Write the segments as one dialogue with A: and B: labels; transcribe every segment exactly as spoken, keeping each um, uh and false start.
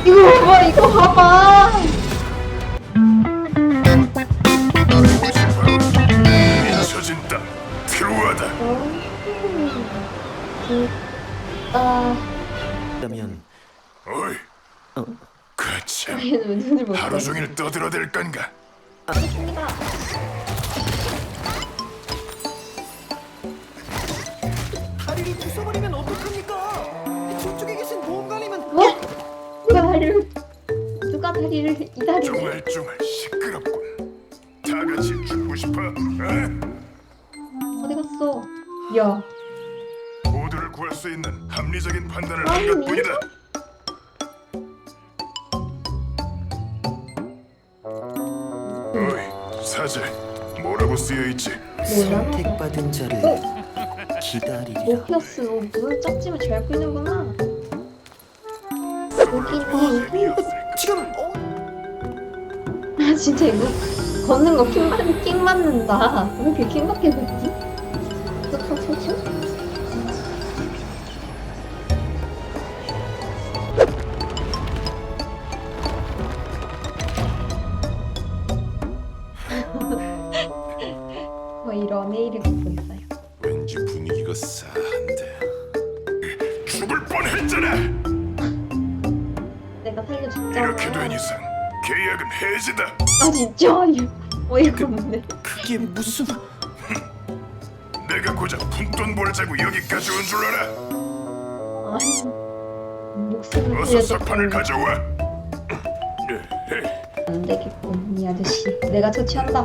A: 이거 봐봐, 이거 봐봐.
B: 잊혀진 땅 트루아다.
A: 아,
C: 그러면
B: 어이,
C: 어,
B: 그참
A: 얘는 왜 눈을 못
B: 하루
A: 떠?
B: 종일 떠들어댈 건가?
A: 알겠습니다.
C: 다리를 부숴버리면 어떡합니까? 저쪽에 계신 보험관리면
A: 뭐? 누가 다리를 누가 다리를 이 다리를?
B: 쫑알쫑알 시끄럽군. 다 같이 죽고 싶어? 어?
A: 어디 갔어? 야,
B: 모두를 구할 수 있는 합리적인 판단을 한
A: 아니.
B: 것뿐이다. 어이, 사제, 뭐라고 쓰여 있지?
A: 뭐야?
C: 선택받은 자를 기다리리라.
A: 모피어스 너 눈을 짝지면 잘 끌는구나. 여기네.
B: 재미없을까?
C: 지금 어?
A: 아 진짜 이거 걷는 거 킹, 맞, 킹 맞는다. 왜 이렇게 킹밖에 됐지? 툭툭툭툭. 뭐 이런 애를 갖고 있어요.
B: 왠지 분위기가 싸한데. 죽을 뻔했잖아.
A: 내가 살려줬잖아.
B: 이렇게 된 이상 계약은 해지다.
A: 아 진짜? 어이가 없네.
C: 그게 무슨
B: 내가 고작 푼돈 벌자고 여기까지 온 줄 알아?
A: 아니 목숨을
B: 어서
A: 살려줬
B: 석판을
A: 다
B: 가져와.
A: 안 되겠군 이 아저씨. 내가 처치한다.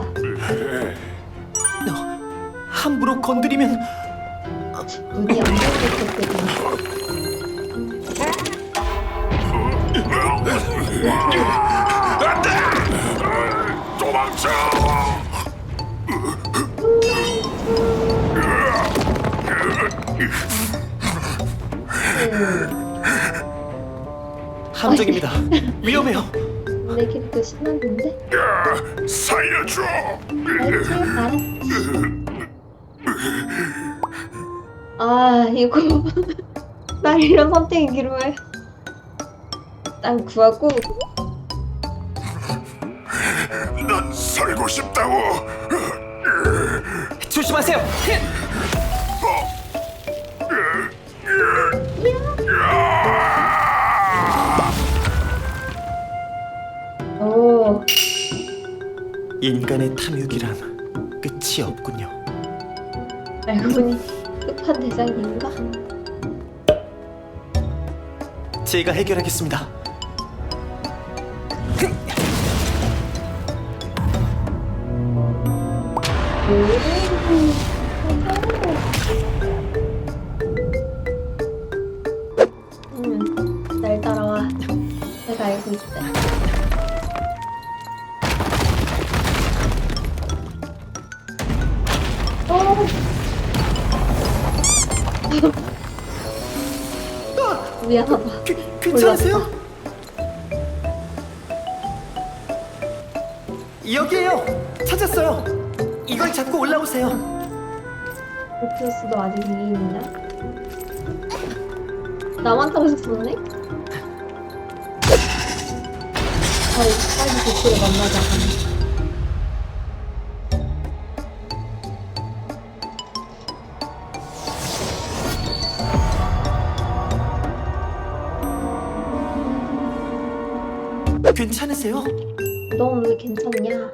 C: 너 함부로 건드리면
A: 눈이 안 보이겠거든.
B: 도망쳐!
C: 함정입니다. 위험해요.
A: 내 캐릭터 신났는데?
B: 살려줘!
A: 알지? 알았지. 아 이거 날 이런 선택이기로 해. 난 구하고
B: 난 살고 싶다고!
C: 조심하세요.
A: 오
C: 인간의 탐욕이란 끝이 없군요.
A: 알고 보니 끝판 대장인가?
C: 제가 해결하겠습니다.
A: 음, 날 따라와. 내가 알고 있다. 어. 미안하다.
C: 그, 괜찮으세요? 여기에요. 찾았어요. 이걸 잡고 올라오세요.
A: 오피어스도 아직 위에 있나? 나만 타고 싶었네? 빨리 빨리 도쿄를 만나자.
C: 괜찮으세요?
A: 넌 왜 괜찮냐?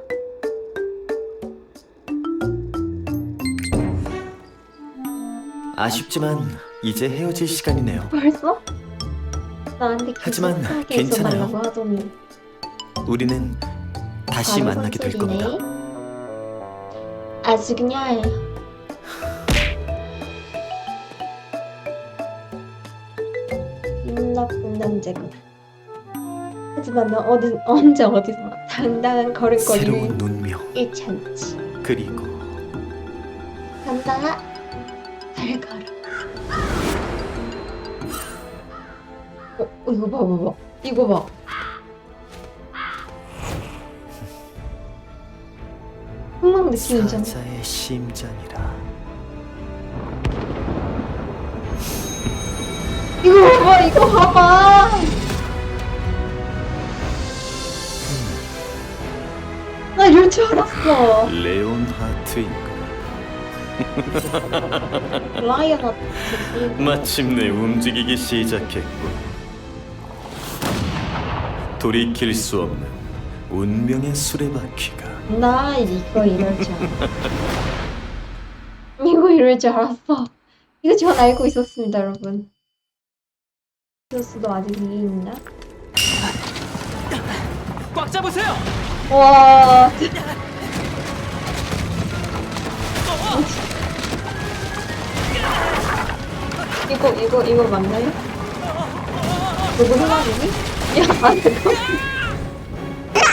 C: 아쉽지만 이제 헤어질 시간이네요.
A: 벌써? 나한테 계속
C: 하지만
A: 편하게
C: 괜찮아요.
A: 해줘달라고 하더니
C: 우리는 다시
A: 바로
C: 만나게 될
A: 선택이네.
C: 겁니다.
A: 아주 그냥 음, 나쁜 남자군. 하지만 너 어디, 언제 어디서 당당한 걸음걸이를
C: 새로운 운명
A: 잃지 않지.
C: 그리고
A: 간다. 잘 가라. 어, 어, 이거 봐, 봐, 봐. 이거 봐. 흥망 느끼잖아.
C: 사자의 심장이라.
A: 이거 봐봐, 이거 봐봐. 이럴 줄 알았어.
C: 레온 하트인가?
A: 라이어 같은
C: 마침내 움직이기 시작했군. 돌이킬 수 없는 운명의 수레바퀴가.
A: 나 이거 이럴 줄 알았어. 이거 이럴 줄 알았어. 이거 전 알고 있었습니다, 여러분. 교수도 아직 위에 있나?
D: 꽉 잡으세요.
A: 와. 이거 이거 이거 맞나요? 누구 생각이니? 야, 안 돼.